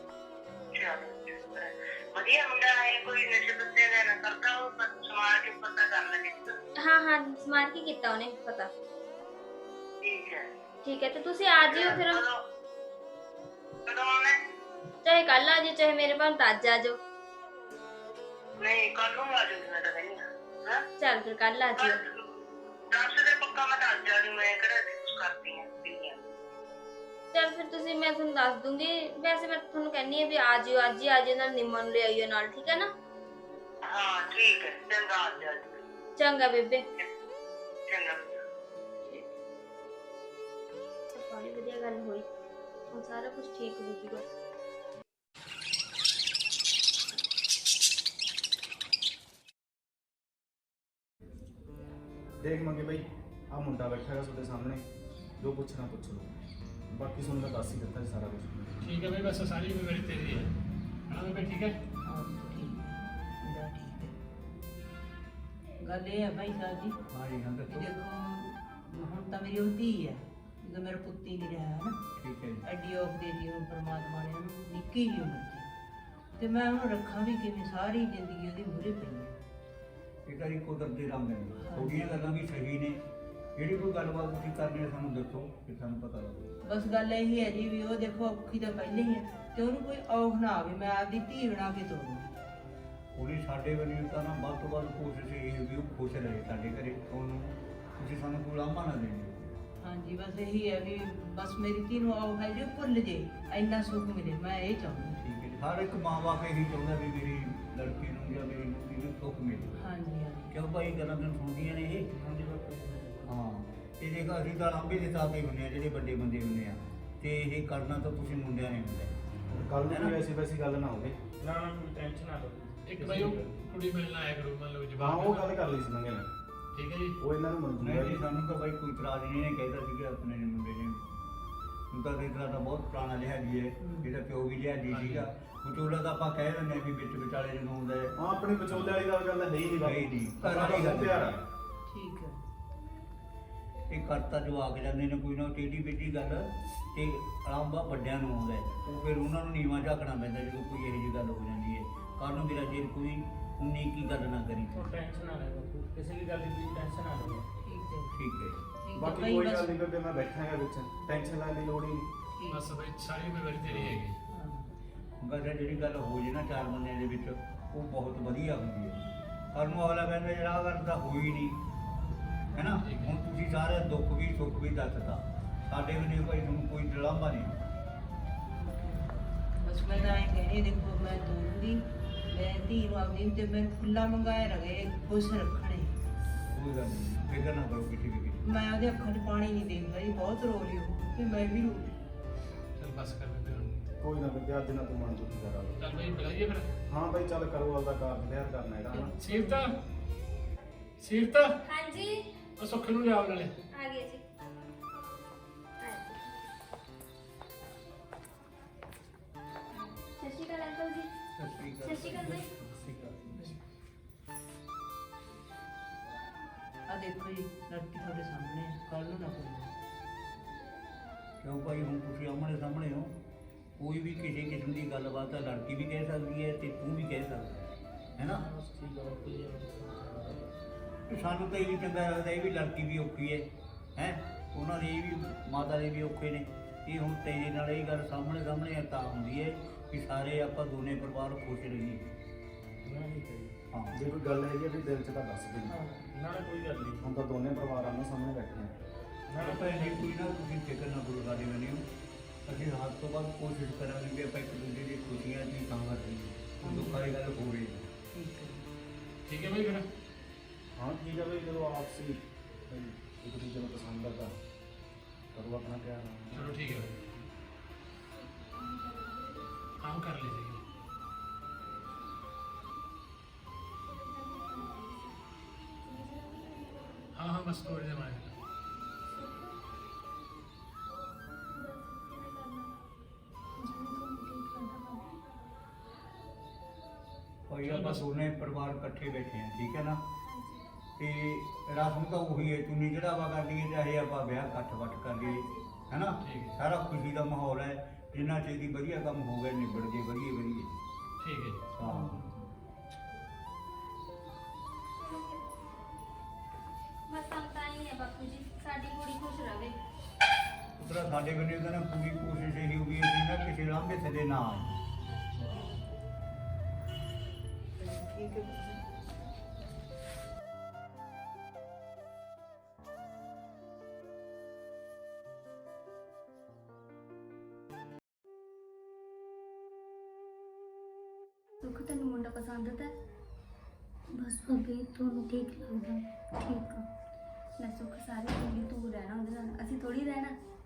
ਵਧੀਆ ਮੁੰਡਾ ਹੈ, ਕੋਈ ਨਸ਼ੇ ਪੱਤੇ ਦਾ ਨਾ ਕਰਦਾ, ਉਹ ਸਮਾਰ ਕੇ ਪਤਾ ਕਰ ਲੈਂਦੇ। ਹਾਂ ਹਾਂ ਸਮਾਰ ਕੇ ਕੀਤਾ ਉਹਨੇ ਪਤਾ। ਠੀਕ ਹੈ ਠੀਕ ਹੈ, ਤੇ ਤੁਸੀਂ ਆ ਜਿਓ ਫਿਰ। ਕਦੋਂ ਆਉਣਾ? ਚਾਹੇ ਕੱਲ ਆ ਜਿਓ, ਚਾਹੇ ਮੇਰੇ ਭਾਂ ਅੱਜ ਆ ਜਾਓ। ਨਹੀਂ ਕੱਲ ਨੂੰ ਆ ਜਾਊਗੀ ਮੈਂ ਤਾਂ ਕਹਿੰਦੀ ਹਾਂ ਹਾਂ ਚੱਲ ਫਿਰ ਕੱਲ ਆ ਜਿਓ। ਦੱਸ ਦੇ ਪੱਕਾ ਮੈਂ ਦੱਸ ਜਾਣੀ ਮੈਂ ਕਿਹੜਾ ਕੁਝ ਕਰਦੀ ਆ ਪੀਆਂ ਚੱਲ ਫਿਰ ਤੁਸੀਂ ਮੈਂ ਤੁਹਾਨੂੰ ਦੱਸ ਦੂੰਗੀ। ਵੈਸੇ ਮੈਂ ਤੁਹਾਨੂੰ ਕਹਿੰਨੀ ਆ ਵੀ ਆ ਜਿਓ, ਅੱਜ ਹੀ ਆ ਜਿਓ, ਨਾਲ ਨਿੰਮਾ ਨੂੰ ਲੈ ਆਇਓ ਨਾਲ, ਠੀਕ ਹੈ ਨਾ? ਹਾਂ ਠੀਕ ਹੈ ਚੰਗਾ ਆ ਜਾ ਚੰਗਾ ਬੇਬੇ। ਚੰਗਾ ਬੜੀ ਵਧੀਆ ਗੱਲ ਹੋਈ, ਹੁਣ ਸਾਰਾ ਕੁਝ ਠੀਕ ਹੋ ਜੂਗਾ। ਦੇਖ ਮੰਗੇ ਬਾਈ, ਆ ਮੁੰਡਾ ਬੈਠਾ ਹੈਗਾ ਤੁਹਾਡੇ ਸਾਹਮਣੇ, ਜੋ ਪੁੱਛਣਾ ਪੁੱਛ ਲਓ, ਬਾਕੀ ਤੁਹਾਨੂੰ ਮੈਂ ਦੱਸ ਹੀ ਦਿੱਤਾ ਜੀ ਸਾਰਾ ਕੁਝ। ਠੀਕ ਹੈ ਬਈ, ਬਸ ਸਾਰੀ ਜ਼ਿੰਮੇਵਾਰੀ ਤੇਰੀ ਹੈ ਹਾਂ ਬਈ, ਠੀਕ ਹੈ। ਹਾਂ ਠੀਕ ਮੇਰਾ ਠੀਕ ਹੈ। ਗੱਲ ਇਹ ਹੈ ਭਾਈ ਸਾਹਿਬ ਜੀ, ਹਾਂ ਜੀ ਹਾਂ ਕਿ ਦੱਸੋ। ਦੇਖੋ ਹੁਣ ਤਾਂ ਮੇਰੀ ਉਹ ਧੀ ਹੈ, ਜਦੋਂ ਮੇਰਾ ਪੁੱਤ ਹੀ ਨਹੀਂ ਰਿਹਾ ਹੈ ਨਾ, ਠੀਕ ਹੈ ਜੀ। ਐਡੀ ਔਖ ਦੇ ਦੀ ਹੁਣ ਪਰਮਾਤਮਾ ਨੇ ਉਹਨੂੰ ਨਿੱਕੀ ਜਿਹੀ ਉਮਰ 'ਚ, ਤੇ ਮੈਂ ਉਹਨੂੰ ਰੱਖਾਂ ਵੀ ਕਿਵੇਂ, ਸਾਰੀ ਜ਼ਿੰਦਗੀ ਉਹਦੀ ਮੂਹਰੇ ਪਈ ਹੈ। ਇਹ ਤਾਂ ਜੀ ਕੁਦਰਤ ਦੇ ਰੰਗ ਨੇ, ਤੁਹਾਡੀਆਂ ਗੱਲਾਂ ਵੀ ਸਹੀ ਨੇ। ਜਿਹੜੀ ਕੋਈ ਗੱਲਬਾਤ ਤੁਸੀਂ ਕਰਨੀ ਹੈ ਸਾਨੂੰ ਦੱਸੋ ਕਿ ਸਾਨੂੰ ਪਤਾ ਲੱਗੇ। ਬਸ ਗੱਲ ਇਹੀ ਹੈ ਜੀ ਵੀ ਉਹ ਦੇਖੋ ਔਖੀ ਤਾਂ ਪਹਿਲੇ ਹੀ ਹੈ, ਤੇ ਉਹਨੂੰ ਕੋਈ ਔਖ ਨਾ ਆਵੇ, ਮੈਂ ਆਪਦੀ ਧੀ ਬਣਾ ਕੇ ਤੋਰੂੰਗੀ। ਉਹਨੇ ਸਾਡੇ ਵੱਲੋਂ ਤਾਂ ਨਾ ਵੱਧ ਤੋਂ ਵੱਧ ਕੋਸ਼ਿਸ਼ ਇਹ ਹੈ ਵੀ ਉਹ ਖੁਸ਼ ਰਹੇ ਸਾਡੇ ਘਰੇ, ਉਹਨੂੰ ਤੁਸੀਂ ਸਾਨੂੰ ਕੋਈ ਲਾਂਭਾ ਨਾ ਦੇਣੀ। ਹਾਂਜੀ ਬਸ ਇਹੀ ਹੈ ਵੀ ਬਸ ਮੇਰੀ ਧੀ ਨੂੰ ਔਖ ਹੈ ਜੋ ਭੁੱਲ ਜੇ, ਇੰਨਾ ਸੁੱਖ ਮਿਲੇ, ਮੈਂ ਇਹ ਚਾਹੁੰਦੀ। ਠੀਕ ਹੈ ਜੀ। ਹਰ ਇੱਕ ਮਾਂ-ਬਾਪ ਇਹੀ ਚਾਹੁੰਦਾ ਵੀ ਮੇਰੀ ਲੜਕੀ ਨੂੰ ਜਾਂ ਮੇਰੀ ਨੂੰਹ ਨੂੰ ਸੁੱਖ ਮਿਲੇ। ਹਾਂਜੀ ਹਾਂਜੀ ਕਿਉਂ ਭਾਈ ਗੱਲਾਂ ਮੈਨੂੰ ਸੁਣਦੀਆਂ ਨੇ ਇਹ? ਹਾਂ ਤੇ ਜੇਕਰ ਅਸੀਂ ਤਾਂ ਲਾਂਭੇ ਦੇ ਸਾਥ ਹੀ ਹੁੰਦੇ ਆ, ਜਿਹੜੇ ਵੱਡੇ ਬੰਦੇ ਹੁੰਦੇ ਆ, ਤੇ ਇਹ ਕਰਨਾ ਤਾਂ ਤੁਸੀਂ ਮੁੰਡਿਆਂ ਨੇ ਹੁੰਦਾ। ਕੱਲ ਨੂੰ ਕੋਈ ਐਸੀ ਵੈਸੀ ਗੱਲ ਨਾ ਹੋਵੇ। ਨਾ ਨਾ ਕੋਈ ਟੈਨਸ਼ਨ ਨਾ ਲਓ। ਇੱਕ ਬਈ ਉਹ ਕੁੜੀ ਮਿਲਣ ਆਇਆ ਕਰੂ, ਮੰਨ ਲਓ ਹਾਂ ਜਵਾਬ ਉਹ ਗੱਲ ਕਰ ਲਈ ਸੀ ਮੰਗੇ ਨੇ, ਠੀਕ ਹੈ ਜੀ। ਉਹ ਇਹਨਾਂ ਨੂੰ ਮਨਜ਼ੂਰ ਹੈ ਨਹੀਂ ਜੀ, ਜੀ। ਸਾਨੂੰ ਤਾਂ ਬਾਈ ਕੋਈ ਇਤਰਾਜ਼ ਨਹੀਂ, ਇਹਨੇ ਕਹਿਦਾ ਸੀਗਾ ਆਪਣੇ ਨੇ ਮੁੰਡੇ ਨੇ। ਹੁਣ ਤਾਂ ਦੇਖਦਾ ਤਾਂ ਬਹੁਤ ਪੁਰਾਣਾ ਲਿਹਾਜੀ ਹੈ, ਇਹਦਾ ਪਿਓ ਵੀ ਲਿਹਾਜੀ ਸੀਗਾ। ਵਿਚੋਲਾ ਤਾਂ ਆਪਾਂ ਕਹਿ ਦਿੰਦੇ ਆ ਵੀ ਵਿੱਚ ਵਿਚਾਲੇ ਜਦੋਂ ਹੁੰਦਾ ਹੈ। ਹਾਂ ਆਪਣੀ ਵਿਚੋਲੇ ਵਾਲੀ ਗੱਲ ਗੱਲ ਹੈ ਹੀ ਨਹੀਂ ਹੈ ਹੀ ਨਹੀਂ, ਘਰ ਸਾਡਾ ਵਾਲੀ ਗੱਲ ਪਿਆਰ ਆ। ਠੀਕ ਹੈ। ਇਹ ਕਰਤਾ ਜੋ ਆ ਕੇ ਜਾਂਦੇ ਨੇ ਕੋਈ ਨਾ ਟੇਢੀ ਬੇਢੀ ਗੱਲ, ਤੇ ਆਰਾਮਾ ਵੱਡਿਆਂ ਨੂੰ ਆਉਂਦਾ ਹੈ, ਉਹ ਫਿਰ ਉਹਨਾਂ ਨੂੰ ਨੀਵਾਂ ਝਾਕਣਾ ਪੈਂਦਾ ਜਦੋਂ ਕੋਈ ਇਹੋ ਜਿਹੀ ਗੱਲ ਹੋ ਜਾਂਦੀ ਹੈ। ਕੱਲ੍ਹ ਨੂੰ ਮੇਰਾ ਜੇ ਕੋਈ ਉਨੀ ਕੀ ਗੱਲ ਨਾ ਕਰੀ। ਉਹ ਟੈਨਸ਼ਨ ਨਾ ਲੈ ਬਾਪੂ, ਕਿਸੇ ਵੀ ਗੱਲ ਦੀ ਟੈਨਸ਼ਨ ਨਾ ਲਓ। ਠੀਕ ਹੈ ਠੀਕ ਹੈ ਜੀ। ਠੀਕ ਹੈ ਬਾਕੀ ਭਾਈ ਕੋਈ ਬਸ ਗੱਲ ਨਹੀਂ ਬੇਬੇ, ਮੈਂ ਬੈਠਾ ਹੈਗਾ ਵਿੱਚ, ਟੈਨਸ਼ਨ ਲੈਣ ਦੀ ਲੋੜ ਹੀ ਨਹੀਂ। ਠੀਕ। ਬਸ ਬਈ ਸਾਰੀ ਜ਼ਿੰਮੇਵਾਰੀ ਤੇਰੀ ਹੈਗੀ। ਹਾਂ। ਗੱਲ ਜਿਹੜੀ ਗੱਲ ਹੋ ਜੇ ਨਾ ਚਾਰ ਬੰਦਿਆਂ ਦੇ ਵਿੱਚ, ਉਹ ਬਹੁਤ ਵਧੀਆ ਹੁੰਦੀ ਹੈ। ਪਰ ਨੂੰ ਅਗਲਾ ਕਹਿੰਦਾ ਜਿਹੜਾ ਆਹ ਗੱਲ ਤਾਂ ਹੋਈ ਨਹੀਂ ਹੈ ਨਾ। ਹੁਣ ਤੁਸੀਂ ਸਾਰੇ ਦੁੱਖ ਵੀ ਸੁੱਖ ਵੀ ਦੱਸਤਾ, ਸਾਡੇ ਵੀ ਨਹੀਂ ਭਾਈ ਤੁਹਾਨੂੰ ਕੋਈ ਡਰਾਮਾ ਨਹੀਂ। ਬਸ ਮੈਂ ਤਾਂ ਇਹ ਕਹਿਣੀ, ਦੇਖੋ ਮੈਂ ਤੋਰੂੰਗੀ, ਮੈਂ ਧੀ ਨੂੰ ਆਪਦੀ ਤੇ ਮੈਂ ਖੁੱਲਾ ਮੰਗਾਏ ਰਗੇ, ਖੁਸ਼ ਰੱਖਣੇ। ਕੋਈ ਗੱਲ ਨਹੀਂ, ਫਿਕਰ ਨਾ ਕਰੋ ਕਿਸੇ ਵੀ ਕਿਸੇ। ਮੈਂ ਉਹਦੇ ਅੱਖਾਂ 'ਚ ਪਾਣੀ ਨਹੀਂ ਦੇਖਦਾ ਜੀ, ਬਹੁਤ ਰੋ ਰਹੀ ਉਹ, ਤੇ ਮੈਂ ਵੀ ਰੋ ਰਹੀ। ਚੱਲ ਬਸ ਕਰ ਬੇਬੇ ਹੁਣ। ਕੋਈ ਨਾ ਬੇਬੇ, ਅੱਜ ਨਾ ਤੂੰ ਮਨ ਦੁਖੀ ਕਰਾ। ਚੱਲ ਬਈ ਬੁਲਾਈਏ ਫਿਰ। ਹਾਂ ਬਾਈ ਚੱਲ ਕਰੋ, ਆਪਦਾ ਕਾਰਜ ਵਿਹਾਰ ਕਰਨਾ ਹੈਗਾ ਨਾ। ਸੀਰਤਾ ਸੀਰਤ, ਹਾਂਜੀ ਉਹ ਸੁੱਖ ਨੂੰ ਲਿਆਓ ਨਾਲੇ। ਆ ਗਏ ਜੀ। ਸਤਿ ਸ਼੍ਰੀ ਅਕਾਲ ਅੰਕਲ ਜੀ। ਸਤਿ ਸ਼੍ਰੀ ਅਕਾਲ ਜੀ। ਆ ਦੇਖੋ ਜੀ, ਲੜਕੀ ਤੁਹਾਡੇ ਸਾਹਮਣੇ ਹੈ, ਕੱਲ ਨੂੰ ਨਾ ਕੋਈ। ਕਿਉਂ ਭਾਈ ਹੁਣ ਤੁਸੀਂ ਆਮਣੇ ਸਾਹਮਣੇ ਹੋ, ਕੋਈ ਵੀ ਕਿਸੇ ਕਿਸਮ ਦੀ ਗੱਲਬਾਤ ਹੈ ਲੜਕੀ ਵੀ ਕਹਿ ਸਕਦੀ ਹੈ ਤੇ ਤੂੰ ਵੀ ਕਹਿ ਸਕਦਾ ਹੈ ਨਾ। ਠੀਕ ਹੈ ਬਾਪੂ ਜੀ। ਤੇ ਸਾਨੂੰ ਤਾਂ ਇਹ ਵੀ ਚੰਗਾ ਲੱਗਦਾ, ਇਹ ਵੀ ਲੜਕੀ ਵੀ ਔਖੀ ਹੈ ਹੈ ਉਹਨਾਂ ਦੇ ਇਹ ਵੀ ਮਾਤਾ ਦੇ ਵੀ ਔਖੇ ਨੇ। ਇਹ ਹੁਣ ਤੇਰੇ ਨਾਲ ਇਹ ਗੱਲ ਸਾਹਮਣੇ ਸਾਹਮਣੇ ਤਾਂ ਹੁੰਦੀ ਹੈ ਕਿ ਸਾਰੇ ਆਪਾਂ ਦੋਨੇ ਪਰਿਵਾਰ ਖੁਸ਼ ਰਹੀਏ। ਨਾ ਨਹੀਂ ਕਰੀ। ਹਾਂ ਜੇ ਕੋਈ ਗੱਲ ਹੈਗੀ ਆ ਵੀ ਦਿਲ 'ਚ ਤਾਂ ਦੱਸ ਦੇ। ਹਾਂ। ਨਾ ਨਾ ਕੋਈ ਗੱਲ ਨਹੀਂ। ਹੁਣ ਤਾਂ ਦੋਨੇ ਪਰਿਵਾਰ ਆਮੋ ਸਾਹਮਣੇ ਬੈਠੇ ਆ। ਨਾ ਨਾ ਭਾਈ ਨਹੀਂ ਕੋਈ ਨਾ, ਤੁਸੀਂ ਫਿਕਰ ਨਾ ਕਰੋ ਸਾਡੇ ਮੈਨੂੰ। ਅਸੀਂ ਰਾਤ ਤੋਂ ਬਾਅਦ ਕੋਸ਼ਿਸ਼ ਕਰਾਂਗੇ ਕਿ ਆਪਾਂ ਇੱਕ ਦੂਜੇ ਦੀ ਖੁਸ਼ੀਆਂ ਦੀ ਤਾਂ ਕਰੀਏ, ਦੁੱਖਾਂ ਦੀ ਗੱਲ ਹੋ ਰਹੀ ਹੈ। ਠੀਕ ਹੈ। ਠੀਕ ਹੈ ਬਈ ਫਿਰ। ਹਾਂ ਠੀਕ ਹੈ ਬਈ, ਜਦੋਂ ਆਪਸੀ ਬਈ ਇੱਕ ਦੂਜੇ ਨੂੰ ਪਸੰਦ ਕਰਦਾ ਕਰੋ ਆਪਣਾ ਪਿਆਰ। ਚਲੋ ਠੀਕ ਹੈ ਬਈ। ਹਾਂ ਕਰ ਲਈ ਸੀ। हाँ हाँ बस थोड़ी देर में ਭਾਈ ਆਪਾਂ ਦੋਨੇ ਪਰਿਵਾਰ ਇਕੱਠੇ ਬੈਠੇ ਆ, ਠੀਕ ਹੈ ਨਾ। ਤੇ ਰਸਮ ਤਾਂ ਉਹੀ ਹੈ, ਚੁੰਨੀ ਚੜਾਵਾ ਕਰ ਲਈਏ ਚਾਹੇ ਆਪਾਂ ਵਿਆਹ ਇਕੱਠ ਵੱਟ ਕਰ ਲਈਏ, ਹੈ ਨਾ। ਠੀਕ ਹੈ। ਸਾਰਾ ਖੁਸ਼ੀ ਦਾ ਮਾਹੌਲ ਹੈ, ਜਿੰਨਾ ਛੇਤੀ ਵਧੀਆ ਕੰਮ ਹੋ ਗਿਆ ਨਿਬੜ ਜੇ ਵਧੀਆ ਵਧੀਆ। ठीक है जी। ਹਾਂ ਬਸ ਤਾਂ ਤਾਂ ਹੀ ਹੈ ਬਾਪੂ ਜੀ, ਸਾਡੀ ਕੁੜੀ ਖੁਸ਼ ਰਵੇ। ਉਤਰਾ ਸਾਡੇ ਬੰਦੇ ਦਾ ਨਾ ਪੂਰੀ ਕੋਸ਼ਿਸ਼ ਇਹੀ ਹੋਈ ਅਸੀਂ ਨਾ ਕਿਸੇ ਲਾਂਭੇ ਥੱਲੇ ਨਾ ਆਏ। ਠੀਕ ਹੈ ਪੁੱਤ। ਸੁੱਖ ਤੈਨੂੰ ਮੁੰਡਾ ਪਸੰਦ ਤਾਂ ਬਸ ਭਾਬੀ ਤੁਹਾਨੂੰ ਠੀਕ ਲੱਗਦਾ ਠੀਕ ਆ। ਨਾ ਸੁੱਖ ਸਾਰੀ ਜ਼ਿੰਦਗੀ ਤੂੰ ਰਹਿਣਾ ਉਹਦੇ ਨਾਲ, ਅਸੀਂ ਥੋੜੀ ਰਹਿਣਾ।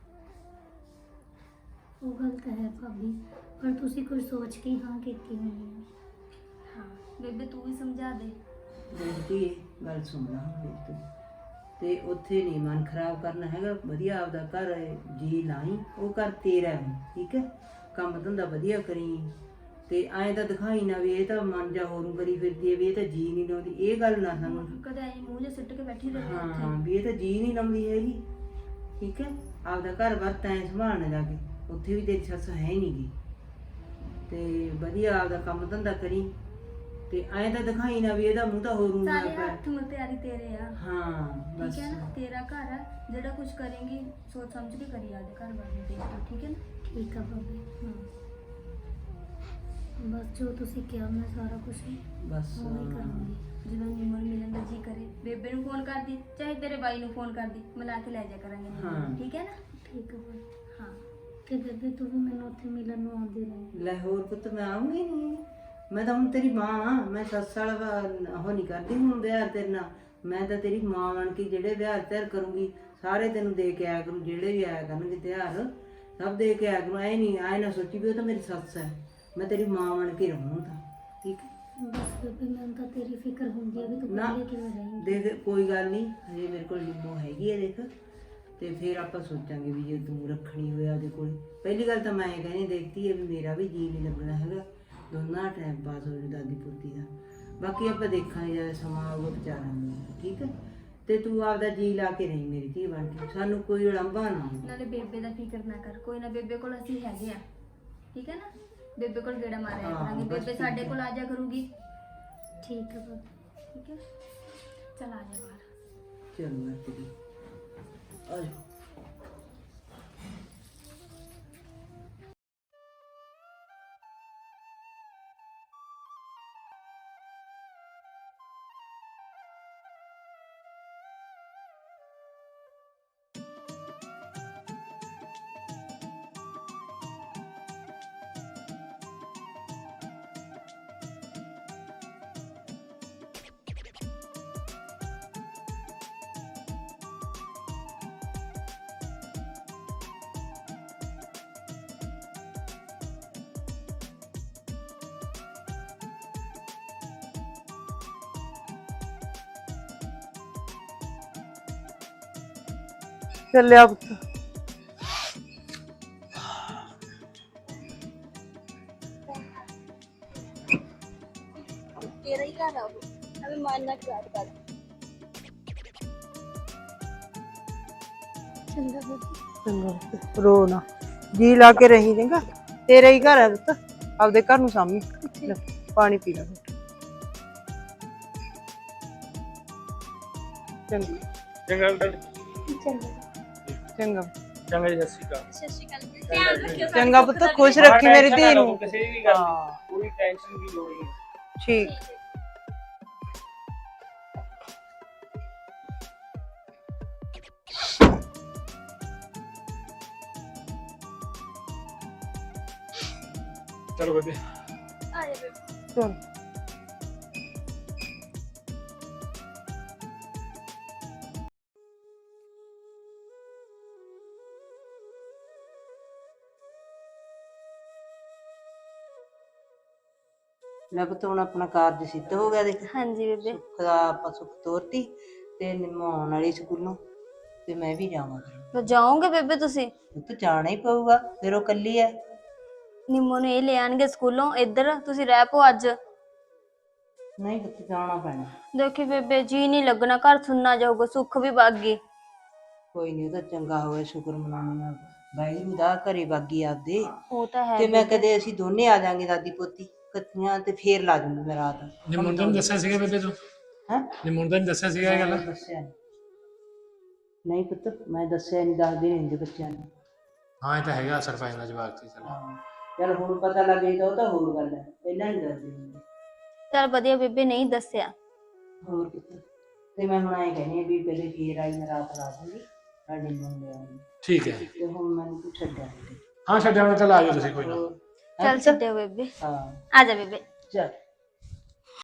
ਉਹ ਗੱਲ ਤਾਂ ਹੈ ਭਾਬੀ, ਪਰ ਤੁਸੀਂ ਕੁਝ ਸੋਚ ਕੇ ਹੀ ਹਾਂ ਕੀਤੀ ਹੋਣੀ ਹੈ। ਹਾਂ ਬੇਬੇ ਤੂੰ ਵੀ ਸਮਝਾ ਦੇ। ਬੇਟੀ ਗੱਲ ਸੁਣਨਾ ਹੁਣ ਤੂੰ ਤੇ ਉੱਥੇ ਨਹੀਂ ਮਨ ਖਰਾਬ ਕਰਨਾ ਹੈਗਾ, ਵਧੀਆ ਆਪਦਾ ਘਰ ਜੀ ਲਾਈ, ਉਹ ਘਰ ਤੇਰਾ ਹੈ ਠੀਕ ਹੈ। ਕੰਮ ਧੰਦਾ ਵਧੀਆ ਕਰੀ ਤੇ ਐਂ ਤਾਂ ਦਿਖਾਈ ਨਾ ਵੀ ਇਹ ਤਾਂ ਮਨ ਜਾ ਹੋਰੂ ਕਰੀ ਫਿਰਦੀ ਹੈ ਵੀ ਇਹ ਤਾਂ ਜੀ ਨਹੀਂ ਲਾਉਂਦੀ, ਇਹ ਗੱਲ ਨਾ ਸਾਨੂੰ ਕਦੇ ਐ ਮੂੰਹ ਜਿਹਾ ਸਿੱਟ ਕੇ ਬੈਠੀ ਰਹੇ ਹਾਂ ਵੀ ਇਹ ਤਾਂ ਜੀ ਨਹੀਂ ਲਾਉਂਦੀ ਹੈਗੀ ਠੀਕ ਹੈ। ਆਪਦਾ ਘਰ ਬਾਰ ਤੈਂ ਸੰਭਾਲਣਾ ਜਾ ਕੇ, ਉੱਥੇ ਵੀ ਤੇਰੀ ਸੱਸ ਹੈ ਹੀ ਨਹੀਂਗੀ ਤੇ ਵਧੀਆ ਆਪਦਾ ਕੰਮ ਧੰਦਾ ਕਰੀ ਤੇ ਐਂ ਤਾਂ ਦਿਖਾਈ ਨਾ ਵੀ ਇਹਦਾ ਮੂੰਹ ਤਾਂ ਹੋਰੂ ਨਾ ਸਾਰੇ ਪਿਆ। ਹੱਥ ਮੁੱਤਿਆਰੀ ਤੇਰੇ ਆ ਹਾਂ ਬਸ ਠੀਕ ਹੈ ਨਾ, ਤੇਰਾ ਘਰ ਆ, ਜਿਹੜਾ ਕੁਝ ਕਰੇਂਗੀ ਸੋਚ ਸਮਝ ਕੇ ਕਰੀ ਆਦੇ ਘਰ ਵਾਲੇ ਨੂੰ ਦੇਖ ਕੇ ਠੀਕ ਹੈ ਨਾ। ਠੀਕ ਆ ਭਾਬੀ। ਹਾਂ ਬਸ ਜੋ ਤੁਸੀਂ ਕਿਹਾ ਮੈਂ ਸਾਰਾ ਕੁਝ ਬਸ ਉਵੇਂ ਹੀ ਕਰਾਂਗੀ। ਜਦੋਂ ਨਿਮਰ ਮਿਲਣ ਦਾ ਜੀ ਕਰੇ ਬੇਬੇ ਨੂੰ ਫੋਨ ਕਰਦੀ, ਚਾਹੇ ਤੇਰੇ ਬਾਈ ਨੂੰ ਫੋਨ ਕਰਦੀ, ਮਿਲਾ ਕੇ ਲੈ ਜਾ ਕਰਾਂਗੇ ਨਿੰਮੋ ਨੂੰ, ਹਾਂ। ਠੀਕ ਹੈ ਨਾ। ਠੀਕ ਆ ਭਾਬੀ। ਹਾਂ ਤੇ ਬੇਬੇ ਤੂੰ ਵੀ ਮੈਨੂੰ ਉੱਥੇ ਮਿਲਣ ਨੂੰ ਆਉਂਦੀ ਰਹੀ। ਲੈ ਹੋਰ ਪੁੱਤ ਮੈਂ ਆਉਂਗੀ ਨਹੀਂ, ਮੈਂ ਤਾਂ ਹੁਣ ਤੇਰੀ ਮਾਂ ਆ, ਮੈਂ ਸੱਸ ਵਾਲਾ ਵਾ- ਉਹ ਨਹੀਂ ਕਰਦੀ ਹੁਣ ਵਿਆਹ ਤੇਰੇ ਨਾਲ, ਮੈਂ ਤਾਂ ਤੇਰੀ ਮਾਂ ਬਣ ਕੇ ਜਿਹੜੇ ਵਿਆਹ ਤਿਆਰ ਕਰੂੰਗੀ ਸਾਰੇ ਤੈਨੂੰ ਦੇ ਕੇ ਆਇਆ ਕਰੂੰ, ਜਿਹੜੇ ਵੀ ਆਇਆ ਕਰਨਗੇ ਤਿਉਹਾਰ ਸਭ ਦੇ ਕੇ ਆਇਆ ਕਰੂੰ। ਐ ਨਹੀਂ ਐ ਨਾ ਸੋਚੀ ਵੀ ਉਹ ਤਾਂ ਮੇਰੀ ਸੱਸ ਹੈ, ਮੈਂ ਤੇਰੀ ਮਾਂ ਬਣ ਕੇ ਰਹੂੰ ਤਾਂ ਠੀਕ ਹੈ। ਬਸ ਬੇਬੇ ਮੈਨੂੰ ਤਾਂ ਤੇਰੀ ਫਿਕਰ ਹੁੰਦੀ ਹੈ ਵੀ ਤੂੰ ਨਾ। ਪਹਿਲੇ ਕਿਵੇਂ ਰਹੇਂਗੀ। ਦੇਖ ਕੋਈ ਗੱਲ ਨਹੀਂ, ਹਜੇ ਮੇਰੇ ਕੋਲ ਲਿੰਬੋ ਹੈਗੀ ਹੈ ਦੇਖ, ਤੇ ਫਿਰ ਆਪਾਂ ਸੋਚਾਂਗੇ ਵੀ ਜੇ ਤੂੰ ਰੱਖਣੀ ਹੋਇਆ ਉਹਦੇ ਕੋਲ। ਪਹਿਲੀ ਗੱਲ ਤਾਂ ਮੈਂ ਇਹ ਕਹਿੰਦੀ ਦੇਖਦੀ ਹੈ ਵੀ ਮੇਰਾ ਵੀ ਜੀ ਨਹੀਂ ਲੱਗਣਾ ਹੈਗਾ, ਦੋਨਾਂ ਟਾਈਮ ਪਾਸ ਹੋ ਜਾਊ ਦਾਦੀ ਪੋਤੀ ਦਾ। ਬਾਕੀ ਆਪਾਂ ਦੇਖਾਂਗੇ ਜਦ ਸਮਾਂ ਆਊਗਾ ਵਿਚਾਰਾਂਗੇ ਠੀਕ ਹੈ। ਤੇ ਤੂੰ ਆਪਦਾ ਜੀ ਲਾ ਕੇ ਰਹੀ ਮੇਰੀ ਧੀ ਬਣ ਕੇ, ਸਾਨੂੰ ਕੋਈ ਉਲੰਭਾ ਨਾ ਹੋਵੇ। ਨਾਲੇ ਬੇਬੇ ਦਾ ਫਿਕਰ ਨਾ ਕਰ, ਕੋਈ ਨਾ ਬੇਬੇ ਕੋਲ ਅਸੀਂ ਹੈਗੇ ਆ ਠੀਕ ਹੈ ਨਾ। ਬੇਬੇ ਕੋਲ ਗੇੜਾ ਮਾਰਿਆ ਹਾਂ, ਕਰਾਂਗੇ, ਬਸ ਬੇਬੇ ਠੀਕ ਸਾਡੇ ਹੈ। ਕੋਲ ਆ ਜਾ ਕਰੂਗੀ ਠੀਕ ਹੈ ਭਾਬੀ। ਠੀਕ ਹੈ। ਚਲ ਆ ਜਾ ਬਾਹਰ। ਚਲੋ ਮੈਂ ਤੇਰੀ ਆ ਜਾ। ਚੱਲਿਆ ਪੁੱਤ। ਤੇਰਾ ਹੀ ਘਰ ਆ ਉਹ, ਅਬੇ ਮਨ ਨਾ ਖਰਾਬ ਕਰ। ਚੰਗਾ ਬੇਬੇ। ਚੰਗਾ ਪੁੱਤ, ਰੋ ਨਾ, ਜੀ ਲਾ ਕੇ ਰਹੀ ਚੰਗਾ, ਤੇਰਾ ਹੀ ਘਰ ਹੈ ਪੁੱਤ, ਆਪਦੇ ਘਰ ਨੂੰ ਸਾਂਭੀ। ਲੈ, ਪਾਣੀ ਪੀ ਲੈ ਪੁੱਤ। ਚੰਗਾ ਚੰਗਾ ਅੰਕਲ। ਚੰਗਾ ਚੰਗਾ ਚੰਗਾ ਜੀ, ਸਤਿ ਸ਼੍ਰੀ ਅਕਾਲ। ਸਤਿ ਸ਼੍ਰੀ ਅਕਾਲ, ਧਿਆਨ ਰੱਖਿਓ। ਚੰਗਾ ਪੁੱਤ, ਖੁਸ਼ ਰੱਖੀ ਮੇਰੀ ਧੀ ਨੂੰ। ਕਿਸੇ ਵੀ ਗੱਲ ਹਾਂ ਦੀ ਕੋਈ ਟੈਨਸ਼ਨ ਦੀ ਲੋੜ ਨਹੀਂ। ਠੀਕ। ਚਲੋ ਬੇਬੇ। ਆ ਜਾ ਬੇਬੇ। ਚਲ ਲੈ ਪੁੱਤ ਹੁਣ ਆਪਣਾ ਕਾਰਜ ਸਿੱਧ ਹੋ ਗਿਆ ਦੇਖ, ਹਾਂਜੀ ਬੇਬੇ। ਸੁੱਖ ਦਾ ਆਪਾਂ ਸੁੱਖ ਤੋਰਤੀ ਤੇ ਨਿਮਾਉਣ ਵਾਲੀ ਸਕੂਲੋਂ, ਤੇ ਮੈਂ ਵੀ ਜਾਵਾਂ ਫਿਰ। ਤਾਂ ਜਾਓਗੇ ਬੇਬੇ ਤੁਸੀਂ? ਪੁੱਤ ਜਾਣਾ ਹੀ ਪਊਗਾ, ਫਿਰ ਉਹ ਕੱਲੀ ਐ। ਨਿੰਮੋ ਨੂੰ ਇਹ ਲੈ ਆਣਗੇ ਸਕੂਲੋਂ, ਇੱਧਰ ਤੁਸੀਂ ਰਹਿ ਪੋ ਅੱਜ। ਨਹੀਂ ਪੁੱਤ ਜਾਣਾ ਪੈਣਾ। ਦੇਖੀ ਬੇਬੇ ਜੀ ਨਹੀਂ ਲੱਗਣਾ, ਘਰ ਸੁਣਨਾ ਜਾਊਗਾ, ਸੁੱਖ ਵੀ ਵਗ ਗਈ। ਕੋਈ ਨਹੀਂ, ਉਹ ਤਾਂ ਚੰਗਾ ਹੋਇਆ, ਸ਼ੁਕਰ ਮਨਾਉਣਾ ਵਾਹਿਗੁਰੂ ਦਾ, ਘਰੇ ਬਾਗੀ ਆਪਦੇ। ਉਹ ਤਾਂ ਹੈ ਤੇ ਮੈਂ ਕਦੇ ਅਸੀਂ ਦੋਨੇ ਆ ਜਾਾਂਗੇ ਦਾਦੀ ਪੋਤੀ ਇਕੱਠੀਆਂ, ਤੇ ਫੇਰ ਲਾ ਜੂੰਗੀ ਮੈਂ ਰਾਤ। ਜੇ ਮੁੰਡੇ ਨੂੰ ਦੱਸਿਆ ਸੀਗਾ ਬੇਬੇ ਤੂੰ? ਹੈਂ? ਜੇ ਮੁੰਡੇ ਨੂੰ ਦੱਸਿਆ ਸੀਗਾ ਇਹ ਗੱਲ? ਮੈਂ ਦੱਸਿਆ ਨੀ। ਨਹੀਂ ਪੁੱਤ ਮੈਂ ਦੱਸਿਆ ਨਹੀਂ, ਦੱਸਦੇ ਨਹੀਂ ਹੁੰਦੇ ਬੱਚਿਆਂ ਨੂੰ। ਹਾਂ ਇਹ ਤਾਂ ਹੈਗਾ ਅਸਰ ਪੈਂਦਾ ਜਵਾਬ ਤੇ। ਚਲ ਹਾਂ ਚੱਲ ਹੁਣ ਪਤਾ ਲੱਗ ਗਈ ਤਾਂ ਉਹ ਤਾਂ ਹੋਰ ਗੱਲ ਹੈ, ਪਹਿਲਾਂ ਨਹੀਂ ਦੱਸਦੇ ਹੁੰਦੇ। ਚਲ ਵਧੀਆ ਬੇਬੇ ਨਹੀਂ ਦੱਸਿਆ। ਹੋਰ ਪੁੱਤ ਤੇ ਮੈਂ ਹੁਣ ਆਏ ਕਹਿੰਦੀ ਆ ਵੀ ਪਹਿਲੇ ਫੇਰ ਆਈ ਮੈਂ ਰਾਤ ਲਾ ਦੂੰਗੀ ਸਾਡੇ ਮੁੰਡੇ ਆਉਣ ਠੀਕ ਹੈ ਤੇ ਹੁਣ ਮੈਨੂੰ ਤੂੰ ਛੱਡਿਆ ਦੇ। ਹਾਂ ਛੱਡਿਆ ਮੈਂ, ਚੱਲ ਆ ਜਾਓ ਤੁਸੀਂ ਕੋਈ ਨਾ। ਹੋਰ ਚਲ ਛੱਡਿਓ ਬੇਬੇ। ਹਾਂ ਆ ਜਾ ਬੇਬੇ। ਚੱਲ